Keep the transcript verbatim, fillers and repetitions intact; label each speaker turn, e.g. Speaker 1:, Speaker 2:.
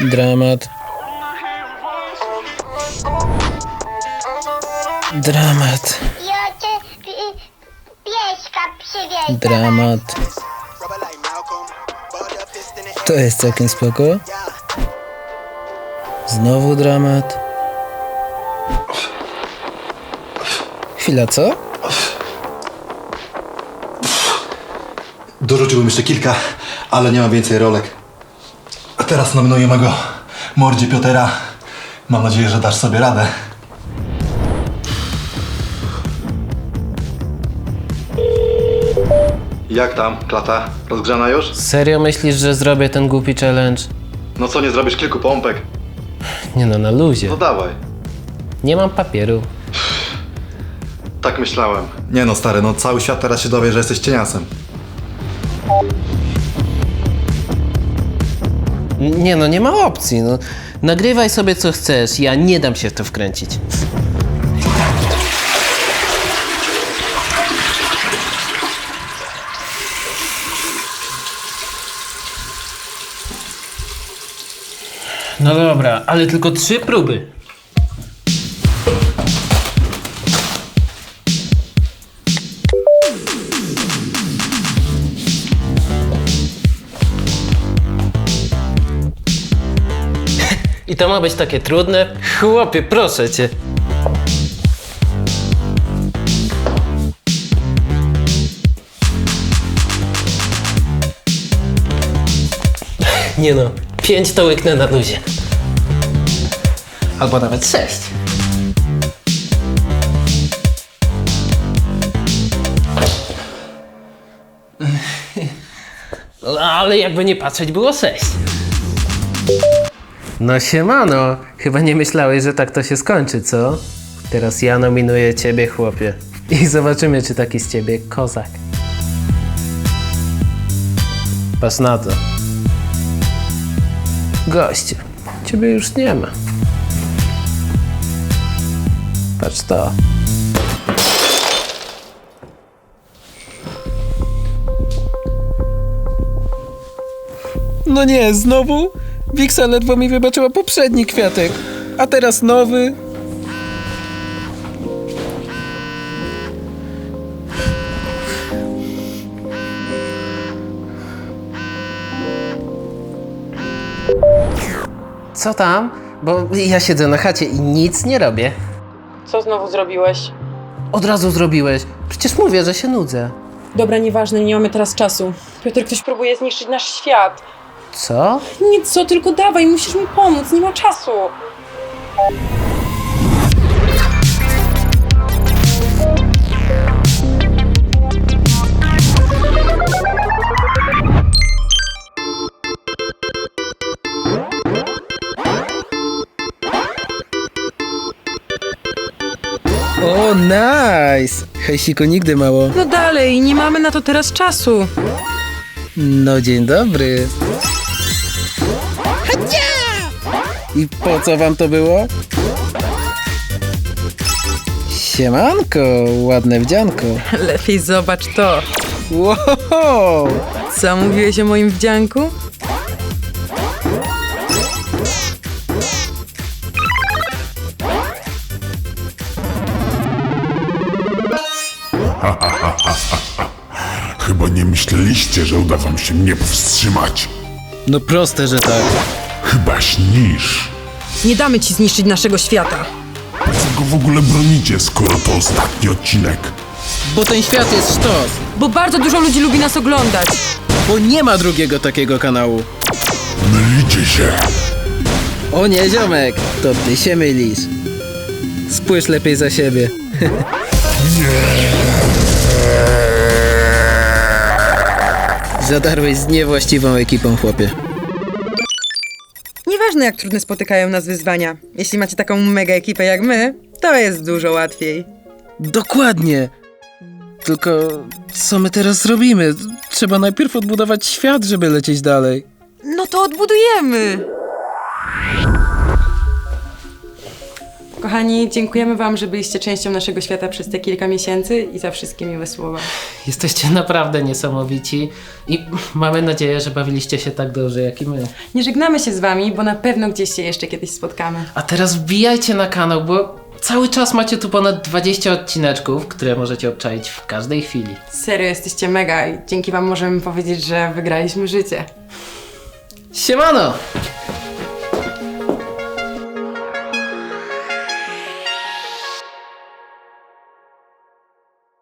Speaker 1: Dramat. Dramat.
Speaker 2: Ja cię pi- pieska przywieźć.
Speaker 1: Dramat. To jest całkiem spoko. Znowu dramat. Chwila, co?
Speaker 3: Dorzuciłbym jeszcze kilka, ale nie mam więcej rolek. A teraz nominuję mego mordzie Piotera. Mam nadzieję, że dasz sobie radę. Jak tam, klata? Rozgrzana już?
Speaker 1: Serio myślisz, że zrobię ten głupi challenge?
Speaker 3: No co, nie zrobisz kilku pompek?
Speaker 1: Nie no, na luzie.
Speaker 3: No dawaj.
Speaker 1: Nie mam papieru.
Speaker 3: Tak myślałem. Nie no, stary, no cały świat teraz się dowie, że jesteś cieniasem.
Speaker 1: Nie no, nie ma opcji, no. Nagrywaj sobie co chcesz, ja nie dam się w to wkręcić. No dobra, ale tylko trzy próby. I to ma być takie trudne? Chłopie, proszę cię. Nie no, pięć to łyknę na luzie. Albo nawet sześć. Ale jakby nie patrzeć, było sześć. No siemano, chyba nie myślałeś, że tak to się skończy, co? Teraz ja nominuję ciebie, chłopie. I zobaczymy, czy taki z ciebie kozak. Patrz na to. Goście, ciebie już nie ma. Patrz to. No nie, znowu? Wiksa ledwo mi wybaczyła poprzedni kwiatek, a teraz nowy. Co tam? Bo ja siedzę na chacie i nic nie robię.
Speaker 4: Co znowu zrobiłeś?
Speaker 1: Od razu zrobiłeś. Przecież mówię, że się nudzę.
Speaker 4: Dobra, nieważne, nie mamy teraz czasu. Piotr, ktoś próbuje zniszczyć nasz świat.
Speaker 1: Co?
Speaker 4: Nic, co, tylko dawaj, musisz mi pomóc, nie ma czasu.
Speaker 1: O, nice! Hejsiku, nigdy mało.
Speaker 4: No dalej, nie mamy na to teraz czasu.
Speaker 1: No dzień dobry. I po co wam to było? Siemanko, ładne wdzianko.
Speaker 4: Lepiej zobacz to.
Speaker 1: Wow!
Speaker 4: Co mówiłeś o moim wdzianku?
Speaker 5: Chyba nie myśleliście, że uda wam się mnie powstrzymać.
Speaker 1: No proste, że tak.
Speaker 5: Chyba śnisz.
Speaker 4: Nie damy ci zniszczyć naszego świata.
Speaker 5: Po co go w ogóle bronicie, skoro to ostatni odcinek?
Speaker 1: Bo ten świat jest sztos.
Speaker 4: Bo bardzo dużo ludzi lubi nas oglądać.
Speaker 1: Bo nie ma drugiego takiego kanału.
Speaker 5: Mylicie się.
Speaker 1: O nie, ziomek, to ty się mylisz. Spójrz lepiej za siebie. Zadarłeś z niewłaściwą ekipą, chłopie.
Speaker 4: Nieważne, jak trudne spotykają nas wyzwania. Jeśli macie taką mega ekipę jak my, to jest dużo łatwiej.
Speaker 1: Dokładnie. Tylko co my teraz zrobimy? Trzeba najpierw odbudować świat, żeby lecieć dalej.
Speaker 4: No to odbudujemy. Kochani, dziękujemy wam, że byliście częścią naszego świata przez te kilka miesięcy i za wszystkie miłe słowa.
Speaker 1: Jesteście naprawdę niesamowici i mamy nadzieję, że bawiliście się tak dobrze jak i my.
Speaker 4: Nie żegnamy się z wami, bo na pewno gdzieś się jeszcze kiedyś spotkamy.
Speaker 1: A teraz wbijajcie na kanał, bo cały czas macie tu ponad dwadzieścia odcineczków, które możecie obczaić w każdej chwili.
Speaker 4: Serio, jesteście mega i dzięki wam możemy powiedzieć, że wygraliśmy życie.
Speaker 1: Siemano!